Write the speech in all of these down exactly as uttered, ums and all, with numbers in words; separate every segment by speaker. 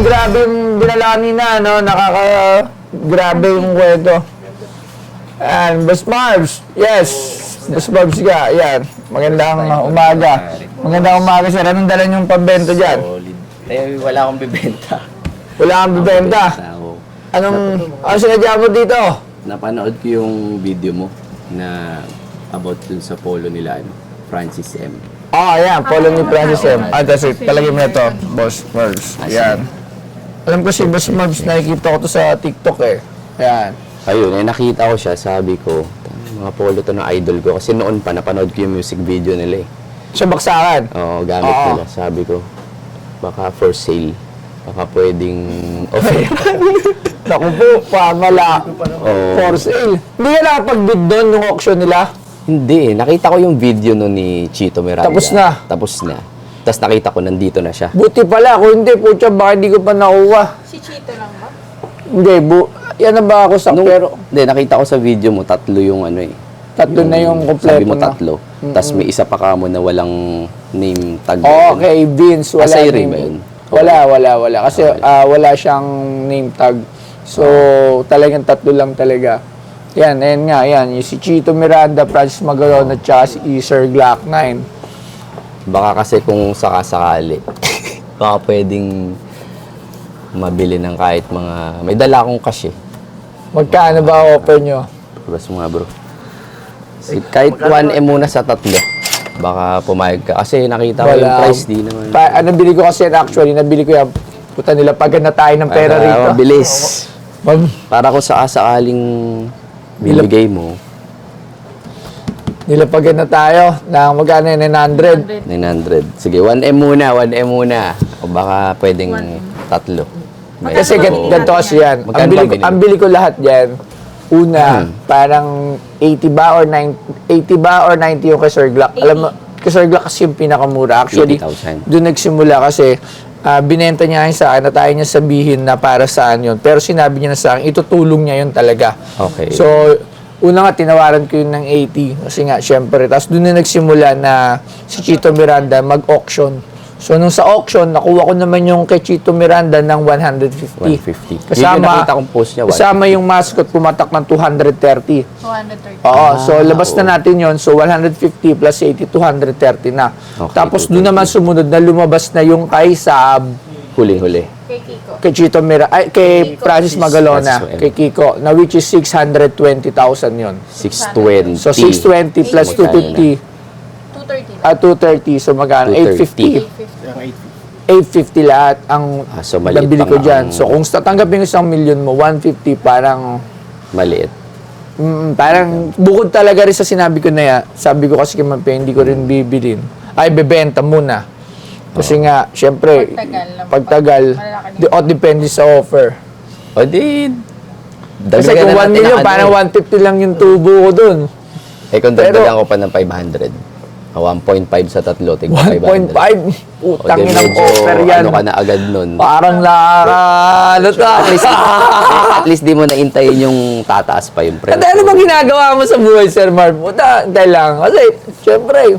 Speaker 1: grabe yung dinala nina, no? Nakaka... Grabe yung kwento. And Boss Marbs, yes. Boss Marbs ka, yan. Magandang umaga. Magandang umaga, sir. Anong dala niyong pambento dyan?
Speaker 2: Solid. Eh, wala akong bibenta.
Speaker 1: Wala kang bibenta? Anong... Ano sinadya mo dito?
Speaker 2: Napanood ko yung video mo na about dun sa polo nila, ano, Francis M.
Speaker 1: Ah, yan. Follow ni Francis M. Ah, that's it. Talagay mo na ito, Boss Marbs. Yan. Alam ko si Boss Marbs, nakikita ko to sa TikTok eh. Yan.
Speaker 2: Ayun, eh, nakita ko siya, sabi ko, mga polo to na idol ko. Kasi noon pa, napanood ko yung music video nila eh.
Speaker 1: Sa baksakan?
Speaker 2: Oo, gamit
Speaker 1: Oo.
Speaker 2: nila. Sabi ko, baka for sale. Baka pwedeng offer.
Speaker 1: Naku po, pamala.
Speaker 2: Oo.
Speaker 1: For sale. Hindi ka nakapag-bid doon nung auction nila?
Speaker 2: Hindi, nakita ko yung video no ni Chito Miranda.
Speaker 1: Tapos na?
Speaker 2: Tapos na. Tapos nakita ko, nandito na siya.
Speaker 1: Buti pala. Kung hindi, putya, baka hindi ko pa nakuha.
Speaker 3: Si Chito lang ba?
Speaker 1: Hindi, bu yan na ba ako sa
Speaker 2: Nung,
Speaker 1: pero
Speaker 2: hindi, nakita ko sa video mo, tatlo yung ano eh.
Speaker 1: tatlo na yung kompleto
Speaker 2: Sabi mo
Speaker 1: na.
Speaker 2: tatlo. Tapos may isa pa ka mo na walang name tag.
Speaker 1: Oo, okay, Vince, wala
Speaker 2: Ah, sa'yo
Speaker 1: name.
Speaker 2: rin ba yun?
Speaker 1: Wala, wala, wala. Kasi ah, wala siyang name tag. So, talagang tatlo lang talaga. Yan, ayan nga, yan. Yung si Chito Miranda, Francis Magalon, at saka si Sir Glock nine.
Speaker 2: Baka kasi kung sakasakali, baka pwedeng mabili ng kahit mga... May dala akong cash eh.
Speaker 1: Magkano ba offer nyo?
Speaker 2: Bas mga bro. Si- Kahit one M muna sa tatlo. Baka pumayag ka. Kasi nakita ko yung
Speaker 1: Wala.
Speaker 2: price, di naman.
Speaker 1: Pa, ah, nabili ko kasi yan actually, nabili ko yan. Puta nila, pag na tayo ng pera
Speaker 2: Para
Speaker 1: rito.
Speaker 2: mabilis.
Speaker 1: Mag,
Speaker 2: Para kung sakasakaling bibigay mo,
Speaker 1: nilapagan na tayo ng magkano yun, nine hundred.
Speaker 2: nine hundred. Sige, one M muna, one M muna. O baka pwedeng tatlo. May
Speaker 1: Kasi gan
Speaker 2: tatlo.
Speaker 1: ganito kasi yan. Ang
Speaker 2: Magkano
Speaker 1: bili,
Speaker 2: ba
Speaker 1: ko,
Speaker 2: binili?
Speaker 1: ang bili ko lahat yan, una,
Speaker 2: Hmm.
Speaker 1: parang eighty ba or ninety, eighty ba or ninety yung kay Sir Glock. Alam mo, kay Sir Glock kasi yung pinakamura. Actually,
Speaker 2: eighty thousand.
Speaker 1: doon nagsimula kasi ah, binenta niya yun sa akin na tayo niya sabihin na para saan yun. Pero sinabi niya na sa akin, itutulong niya yun talaga.
Speaker 2: Okay.
Speaker 1: So, una nga, tinawaran ko yun ng eighty. Kasi nga, syempre. Tapos doon na nagsimula na si Chito Miranda mag-auction. So, nung sa auction, nakuha ko naman yung kay Chito Miranda ng one hundred fifty.
Speaker 2: one fifty. Yun yung
Speaker 1: Kasama,
Speaker 2: nakita kong post niya,
Speaker 1: kasama yung mascot, pumatak ng two hundred thirty.
Speaker 3: two hundred thirty.
Speaker 1: Oo, so
Speaker 2: Ah,
Speaker 1: labas na
Speaker 2: oo.
Speaker 1: natin yon. So, one hundred fifty plus eighty, two hundred thirty na.
Speaker 2: Okay,
Speaker 1: Tapos
Speaker 2: two
Speaker 1: doon naman sumunod na lumabas na yung kay Saab,
Speaker 2: Huling-huli.
Speaker 3: Kay Kiko.
Speaker 1: kay Chito Miranda, ay, kay
Speaker 3: Kiko.
Speaker 1: Francis Magalona,
Speaker 2: Francis
Speaker 1: kay Kiko, na which is six hundred twenty thousand yon.
Speaker 2: six twenty.
Speaker 1: So, six twenty plus two fifty,
Speaker 3: two thirty lang.
Speaker 1: at two thirty, so magkano? eight fifty.
Speaker 3: eight fifty.
Speaker 1: eight fifty lahat ang
Speaker 2: Ah, so maliit
Speaker 1: nabili
Speaker 2: pa
Speaker 1: ko
Speaker 2: nga
Speaker 1: dyan.
Speaker 2: ang-
Speaker 1: So, kung tatanggapin ko isang milyon mo, one fifty, parang,
Speaker 2: Maliit.
Speaker 1: mm, parang, bukod talaga rin sa sinabi ko na yan, sabi ko kasi kay Mampe, hindi ko rin bibilin. Ay, bebenta muna. Kasi nga, syempre,
Speaker 3: Pagtagal lang.
Speaker 1: pagtagal,
Speaker 3: Malaki
Speaker 1: di, o depende sa offer.
Speaker 2: O di,
Speaker 1: Kasi
Speaker 2: dagdagan
Speaker 1: kung
Speaker 2: na
Speaker 1: one
Speaker 2: natin
Speaker 1: million,
Speaker 2: ang ano
Speaker 1: parang
Speaker 2: eh.
Speaker 1: one fifty lang yung tubo ko dun.
Speaker 2: Eh kung
Speaker 1: Pero-
Speaker 2: dagdagan ko pa ng five hundred. Ah, one point five sa tatlo, tig
Speaker 1: one point five,
Speaker 2: O
Speaker 1: utang
Speaker 2: di,
Speaker 1: ng
Speaker 2: medyo
Speaker 1: offer yan.
Speaker 2: ano ka na agad nun.
Speaker 1: Parang nakaka, ano to?
Speaker 2: At least, at least di mo naintayin yung tataas pa yung presyo.
Speaker 1: At ano bang ginagawa mo sa buhay, Sir Marv? Puta, hintay lang. Kasi, syempre,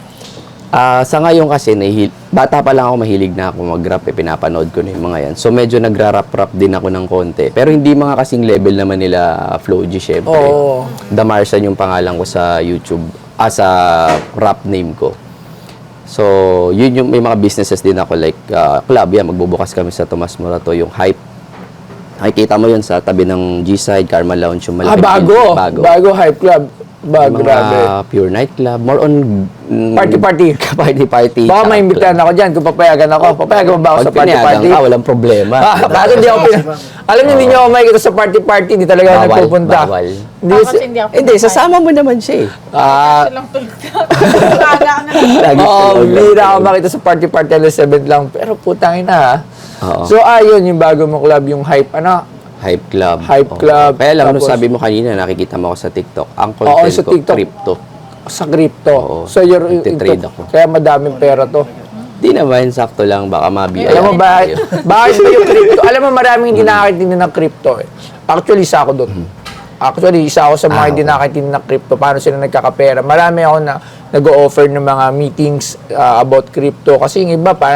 Speaker 2: Ah, sa ngayon kasi, nahihil, bata pa lang ako, mahilig na ako mag-rap, eh, pinapanood ko na yung mga yan. So, medyo nagra-rap-rap din ako ng konti. Pero hindi mga kasing level naman nila Flow G, syempre.
Speaker 1: Oo.
Speaker 2: Damarsan yung pangalan ko sa YouTube, ah, sa rap name ko. So, yun yung, may mga businesses din ako, like, ah, club, yan, magbubukas kami sa Tomas Morato, yung Hype. Nakikita mo yun sa tabi ng G-Side, Karma Lounge, yung
Speaker 1: ah,
Speaker 2: malaking
Speaker 1: bago.
Speaker 2: building. Bago.
Speaker 1: Bago Hype Club. Ba,
Speaker 2: Yung mga
Speaker 1: grabe.
Speaker 2: pure nightclub, more on mm,
Speaker 1: Party-party.
Speaker 2: party-party.
Speaker 1: Baka
Speaker 2: tsaka
Speaker 1: maimbitahan
Speaker 2: club.
Speaker 1: ako dyan kung papayagan ako. Papayagan mo ba ako
Speaker 2: Pag
Speaker 1: sa
Speaker 2: pinayagan
Speaker 1: party-party?
Speaker 2: ka, walang problema.
Speaker 1: Ah, bakit hindi ako pina... Alam niyo, hindi niyo ako makikita sa party-party. Hindi talaga ako
Speaker 2: Bawal,
Speaker 1: nagpupunta.
Speaker 2: bawal.
Speaker 1: Hindi,
Speaker 3: Tapos
Speaker 1: si-
Speaker 3: hindi ako
Speaker 2: Hindi, sasama mo naman siya eh.
Speaker 1: Ah,
Speaker 3: Silang tulog na. Maaga ka na.
Speaker 2: Lagi
Speaker 1: oo,
Speaker 2: tulog.
Speaker 1: bihira ako makita sa party-party alas seven lang. Pero putang ina ha.
Speaker 2: Oo.
Speaker 1: So, ayun, yung bago mong club, yung Hype, ano?
Speaker 2: Hype club.
Speaker 1: Hype
Speaker 2: Oo.
Speaker 1: club,
Speaker 2: Kaya lang, nung
Speaker 1: tapos-
Speaker 2: sabi mo kanina, nakikita mo ako sa TikTok. Ang
Speaker 1: Oo,
Speaker 2: content
Speaker 1: sa
Speaker 2: ko,
Speaker 1: TikTok.
Speaker 2: crypto.
Speaker 1: Sa crypto.
Speaker 2: Oo,
Speaker 1: So, you're
Speaker 2: nagtitrade
Speaker 1: into-
Speaker 2: ako.
Speaker 1: Kaya madaming pera to.
Speaker 2: Di naman, sakto lang. Baka mabi.
Speaker 1: Alam mo ba, bakit ba yung crypto? Alam mo, maraming hindi nakakaintindi ng crypto eh. Actually, isa ako doon. Actually, isa ako sa mga
Speaker 2: Ah,
Speaker 1: hindi
Speaker 2: okay.
Speaker 1: nakakaintindi ng crypto. Paano sila nagkakapera. Marami ako na nag-o-offer ng mga meetings uh, about crypto. Kasi yung iba, parang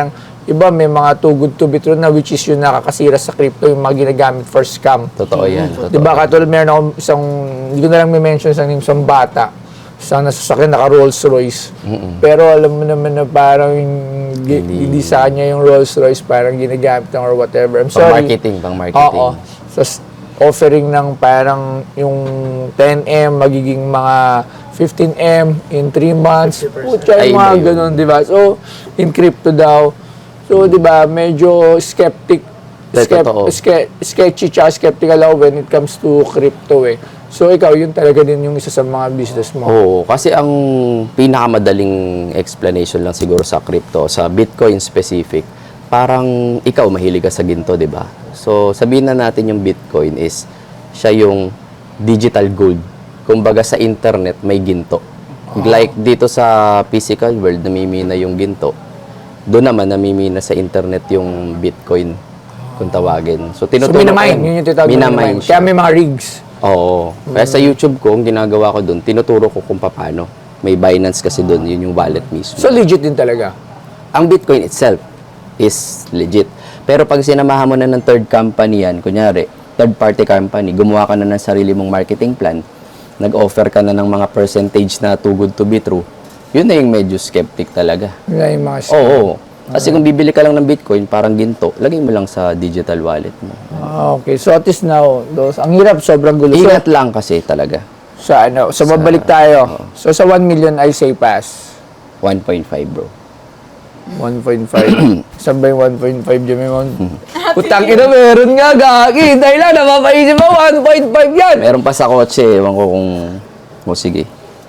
Speaker 1: iba may mga too good to be true na which is yung nakakasira sa crypto, yung mga ginagamit for scam.
Speaker 2: Totoo yan. Totoo.
Speaker 1: Di ba katulad meron akong isang, hindi ko na lang may mention isang name, isang bata, isang nasasakyan, naka Rolls Royce. Pero alam mo naman na parang gi-
Speaker 2: Hindi.
Speaker 1: hindi sa kanya yung Rolls Royce, parang ginagamit lang or whatever. I'm
Speaker 2: Pang
Speaker 1: sorry.
Speaker 2: marketing, pang marketing.
Speaker 1: Oo. So, s- offering ng parang yung ten M, magiging mga fifteen M in three months. Pucha,
Speaker 2: Ay,
Speaker 1: yung mga
Speaker 2: iba yun.
Speaker 1: ganun, di ba? So, in crypto daw. So, di ba, medyo skeptic,
Speaker 2: Te-
Speaker 1: skep,
Speaker 2: totoo.
Speaker 1: ske, sketchy tsaka skeptical ako when it comes to crypto eh. So, ikaw, yun talaga din yung isa sa mga business mo.
Speaker 2: Oo, kasi ang pinakamadaling explanation lang siguro sa crypto, sa Bitcoin specific, parang ikaw mahilig ka sa ginto, di ba? So, sabihin na natin yung Bitcoin is siya yung digital gold. Kumbaga sa internet may ginto. Like dito sa physical world, namimina yung ginto. Doon naman namimina sa internet yung Bitcoin kung tawagin. So,
Speaker 1: So,
Speaker 2: tinuturo
Speaker 1: minamine.
Speaker 2: ko-
Speaker 1: Yun yung tinatawag na
Speaker 2: minamine
Speaker 1: minamine.
Speaker 2: siya.
Speaker 1: Kaya may mga rigs.
Speaker 2: Oo. Kaya sa YouTube ko, ang ginagawa ko doon, tinuturo ko kung paano. May Binance kasi doon, yun yung wallet mismo.
Speaker 1: So, legit din talaga.
Speaker 2: Ang Bitcoin itself is legit. Pero pag sinamahan mo na ng third company yan, kunyari, third party company, gumawa ka na ng sarili mong marketing plan, nag-offer ka na ng mga percentage na too good to be true, yun na yung medyo skeptic talaga.
Speaker 1: Yun na yung mga
Speaker 2: Oo. oo. Kasi kung bibili ka lang ng Bitcoin, parang ginto, lagay mo lang sa digital wallet mo.
Speaker 1: Ah, okay. So, at least now, those, ang hirap, sobrang gulo. So,
Speaker 2: Ingat lang kasi talaga.
Speaker 1: sa ano, so, babalik tayo. So, sa one million, I say pass.
Speaker 2: one point five bro.
Speaker 1: one point five. Saan ba yung one point five dyan? May one... Putang ina, meron nga, gagi. Dahil lang, napapaisip mo, one point five yan.
Speaker 2: Meron pa sa kotse, ewan ko kung... O sige.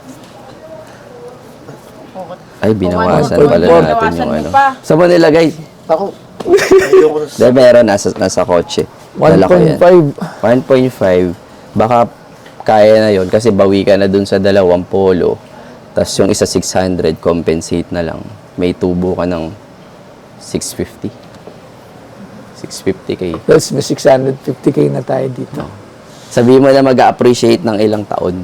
Speaker 2: Ay, binawasan
Speaker 1: Kung ano,
Speaker 2: pala
Speaker 1: kung
Speaker 2: natin
Speaker 3: binawasan
Speaker 2: yung
Speaker 3: mo
Speaker 2: ano.
Speaker 3: pa.
Speaker 2: Saan mo nilagay?
Speaker 3: Ako.
Speaker 2: Dahil meron, nasa, nasa kotse. Dala ko yan.
Speaker 1: one point five.
Speaker 2: one point five. Baka kaya na yon kasi bawi ka na dun sa dalawang polo. Tapos yung isa six hundred, compensate na lang. May tubo ka ng six fifty. six fifty K.
Speaker 1: Plus, may six hundred fifty K na tayo dito.
Speaker 2: Sabihin mo na mag-appreciate ng ilang taon.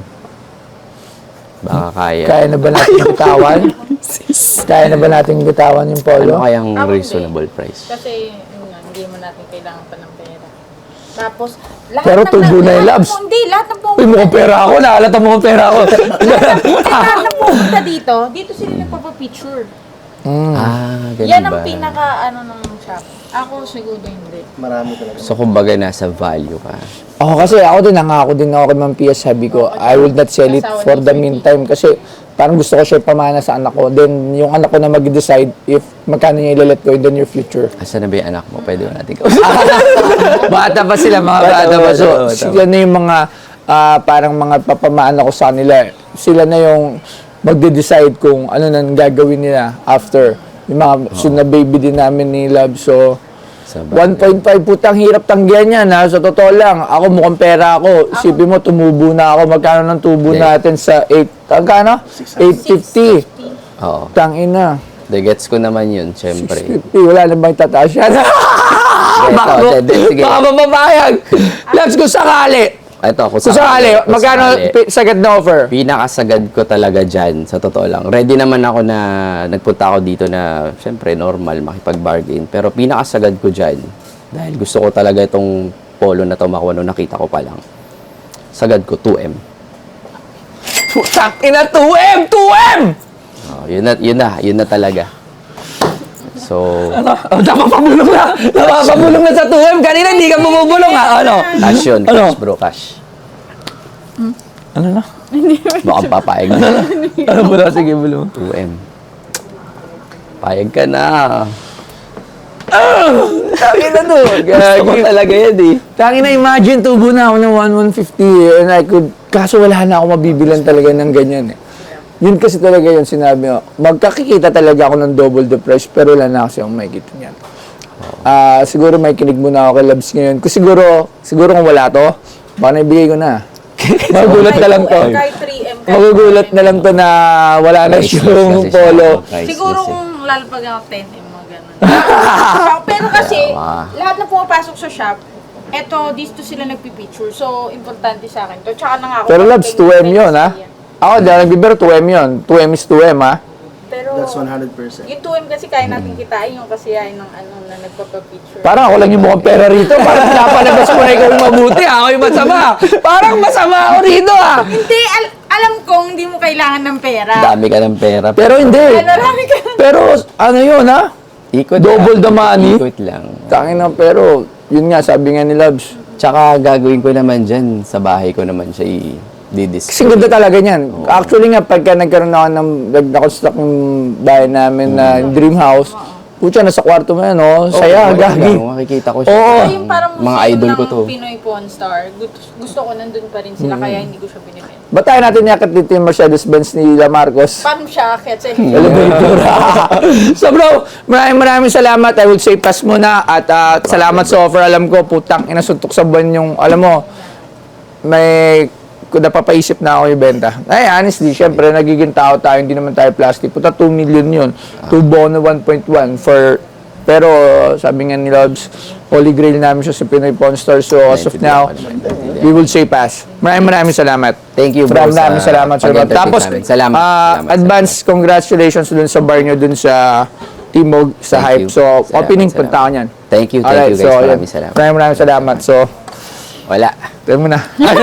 Speaker 2: Baka kaya.
Speaker 1: Kaya na ba natin bitawan? Kaya na ba natin bitawan yung polo?
Speaker 2: Ano kayang
Speaker 3: Ako hindi.
Speaker 2: reasonable price?
Speaker 3: Kasi, yun nga, hindi mo natin kailangan pa ng pera. Tapos, lahat
Speaker 1: Pero
Speaker 3: ng-
Speaker 1: tubo na yung
Speaker 3: lahat
Speaker 1: labs.
Speaker 3: ng- Hindi, lahat ng
Speaker 1: Uy,
Speaker 3: pumunta.
Speaker 1: mukhang pera ako. Nakalata mo pera ako.
Speaker 3: Lahat ng pumunta dito, dito sila nagpapapicture.
Speaker 2: Ah, ganun
Speaker 3: Yan
Speaker 2: ba?
Speaker 3: ang pinaka, ano, ng shop. Ako siguro hindi.
Speaker 2: So, kumbaga nasa value ka.
Speaker 1: Ako kasi, ako din, nangako din ako kay Ma'am Pia, sabi ko, I will not sell it for the meantime kasi parang gusto ko siya pamana sa anak ko. Then, yung anak ko na mag-decide if magkano niya ilalet ko in the near future.
Speaker 2: Asan na ba yung anak mo? Pwede ba natin
Speaker 1: Bata pa sila, mga
Speaker 2: Bata
Speaker 1: bata
Speaker 2: pa,
Speaker 1: pa. So,
Speaker 2: bata pa.
Speaker 1: sila na yung mga, ah, parang mga papamaan ako sa nila. Sila na yung magde-decide kung ano nang gagawin nila after. Yung mga soon na baby din namin ni Love. So,
Speaker 2: Sa
Speaker 1: one point five putang hirap tanggihan yan ha. Sa totoo lang, ako mukhang pera ako. Isipin mo, tumubo na ako. Magkano ng tubo
Speaker 2: Okay.
Speaker 1: natin sa eight, magkano? eight fifty.
Speaker 2: Oo.
Speaker 1: Tangina.
Speaker 2: The gets ko naman yun, syempre.
Speaker 1: fifty, wala na bang tataas yan? Baka,
Speaker 2: Ito, sige, sige.
Speaker 1: baka mapapayag. Labs, kung sakali.
Speaker 2: Ito, kung
Speaker 1: Kung sakali,
Speaker 2: kung
Speaker 1: magkano
Speaker 2: sakali.
Speaker 1: pi- sagad na offer?
Speaker 2: Pinakasagad ko talaga dyan, sa totoo lang. Ready naman ako na, nagpunta ako dito na, syempre, normal, makipag-bargain. Pero pinakasagad ko dyan, dahil gusto ko talaga itong polo na to makuha nung nakita ko pa lang. Sagad ko, two M.
Speaker 1: Putang ina, two M! two M!
Speaker 2: Oh, yun na, yun na, yun na talaga. So,
Speaker 1: Ano? Oh, napapabulong na! Napapabulong na sa two M! Kanina hindi ka bumubulong ha? Ano?
Speaker 2: cash yun,
Speaker 1: Ano?
Speaker 2: cash bro, cash.
Speaker 1: Ano na?
Speaker 2: Baka papayag na.
Speaker 1: Ano ba na? Sige, bulong.
Speaker 2: two M. Payag ka na.
Speaker 1: Tangin na to.
Speaker 2: Gusto ko talaga yan eh.
Speaker 1: Tangin na, imagine, tubo na ako ng one one fifty and I could, kaso wala na ako mabibilan talaga ng ganyan eh. Yun kasi talaga yun sinabi mo. Magkakikita talaga ako ng double the price pero wala na kasi akong makikita niyan. Ah, siguro may kinig muna ako kay Labs ngayon. Kasi siguro, siguro kung wala to, baka naibigay ko na. Magugulat na lang to.
Speaker 3: Kahit three M. kahit
Speaker 1: Magugulat na lang to na wala na
Speaker 2: Priceless
Speaker 1: yung
Speaker 2: kasi siya.
Speaker 1: polo.
Speaker 2: Priceless
Speaker 3: Siguro
Speaker 2: eh.
Speaker 3: kung lalapag ako ten M, mga ganun. Pero kasi,
Speaker 2: Tama.
Speaker 3: lahat na pumapasok sa shop, eto, dito sila nagpipicture. So, importante sa akin to. Tsaka na nga ako.
Speaker 1: Pero Labs, two M yun ha? Ako, dahil nagbibiro, two M yun. two M is two M ha?
Speaker 3: Pero
Speaker 4: That's one hundred percent.
Speaker 3: yung two M kasi kaya natin kitain yung kasiyahin ng ano na nagpapapicture.
Speaker 1: Parang ako lang yung mukhang pera rito. Parang pinapalabas mo na ikaw yung mabuti. Ako yung masama. Parang masama ako rito ah.
Speaker 3: Hindi, al- alam kong hindi mo kailangan ng pera.
Speaker 2: Dami ka ng pera.
Speaker 1: Pero hindi.
Speaker 3: Ano, marami ka.
Speaker 1: Pero ano yun ha?
Speaker 2: Ikot
Speaker 1: Double the money.
Speaker 2: Ikot lang.
Speaker 1: Tangin na pero yun nga sabi nga ni Labs.
Speaker 2: Tsaka gagawin ko naman dyan, sa bahay ko naman siya i-display.
Speaker 1: Kasi ganda talaga niyan. Actually nga, pagka nagkaroon ako ng, nag- na-construct yung bahay namin na dream house, putya, nasa kwarto mo yan, oh. Saya, gagi.
Speaker 2: Makikita ko siya.
Speaker 1: Oo.
Speaker 3: Yung parang
Speaker 2: Mga
Speaker 3: museum
Speaker 2: idol ko
Speaker 3: ng
Speaker 2: to.
Speaker 3: Pinoy Pawn Star. Gusto, gusto ko nandun pa rin sila, kaya hindi ko siya binibenta.
Speaker 1: Ba't tayo natin yakit dito yung Mercedes-Benz ni La Marcos?
Speaker 3: Paano siya akit sa
Speaker 1: Elevator. So bro, maraming maraming salamat. I would say pass muna at ah, salamat sa offer. Alam ko, putang inasuntok sa buwan yung, alam mo, may kung napapaisip na ako ibenta. Ay, honestly, syempre, nagiging tao tayo, hindi naman tayo plastic. Puta, two million yun. two bono, one point one for, pero sabi nga ni Loves, holy grail namin siya sa Pinoy Pawn Store. So, as of now, we will say pass. Maraming maraming salamat.
Speaker 2: Thank you, bro,
Speaker 1: Maraming maraming
Speaker 2: sa
Speaker 1: salamat. Sir Bob.
Speaker 2: pag-entertain
Speaker 1: Tapos,
Speaker 2: namin. Salamat.
Speaker 1: ah,
Speaker 2: Salamat,
Speaker 1: advance congratulations dun sa bar nyo, dun sa Timog, sa
Speaker 2: Thank
Speaker 1: Hype.
Speaker 2: you.
Speaker 1: So,
Speaker 2: Salamat,
Speaker 1: opening,
Speaker 2: salamat.
Speaker 1: punta ako niyan.
Speaker 2: Thank you, thank
Speaker 1: Alright,
Speaker 2: you guys.
Speaker 1: so, yun.
Speaker 2: Maraming salamat.
Speaker 1: Maraming maraming salamat. So,
Speaker 2: Wala.
Speaker 1: tayo mo na.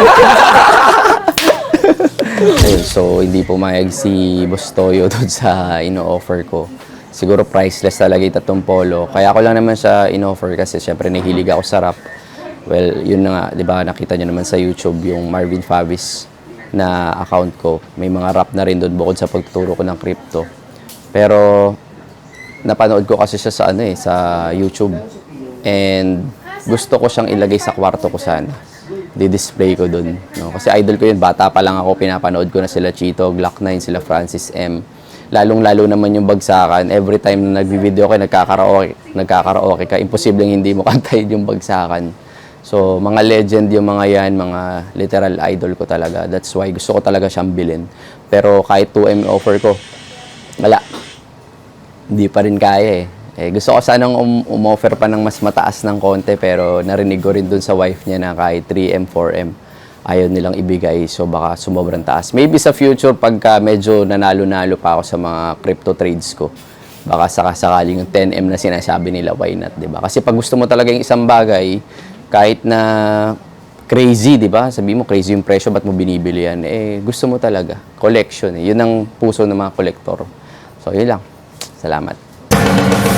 Speaker 2: Ayun, so hindi pumayag si Boss Toyo doon sa ino-offer ko. Siguro priceless talaga yung tatlong polo. Kaya ako lang naman siya in-offer kasi syempre nahilig ako sa rap. Well, yun na nga, di ba, nakita nyo naman sa YouTube yung Marvin Favis na account ko. May mga rap na rin doon bukod sa pagtuturo ko ng crypto. Pero napanood ko kasi siya sa ano eh, sa YouTube. And gusto ko siyang ilagay sa kwarto ko sana. Di-display ko dun. No? Kasi idol ko yun. Bata pa lang ako, pinapanood ko na sila Chito, Glock nine, sila Francis M. Lalong-lalo naman yung bagsakan. Every time na nag-video ka, nagkakaraoke, nagkakaraoke ka, imposibleng hindi mo kantayin yung bagsakan. So, mga legend yung mga yan, mga literal idol ko talaga. That's why gusto ko talaga siyang bilhin. Pero kahit two M offer ko, wala. Hindi pa rin kaya eh. Eh, gusto ko sanang um, umoffer pa ng mas mataas ng konti pero narinig ko rin dun sa wife niya na kahit three M, four M ayaw nilang ibigay so baka sumobrang taas. Maybe sa future pagka medyo nanalo-nalo pa ako sa mga crypto trades ko baka sakasakaling yung ten M na sinasabi nila, why not, di ba? Kasi pag gusto mo talaga yung isang bagay kahit na crazy, di ba? Sabi mo crazy yung presyo, ba't mo binibili yan? Eh, gusto mo talaga. Collection eh. Yun ang puso ng mga kolektor. So, yun lang. Salamat.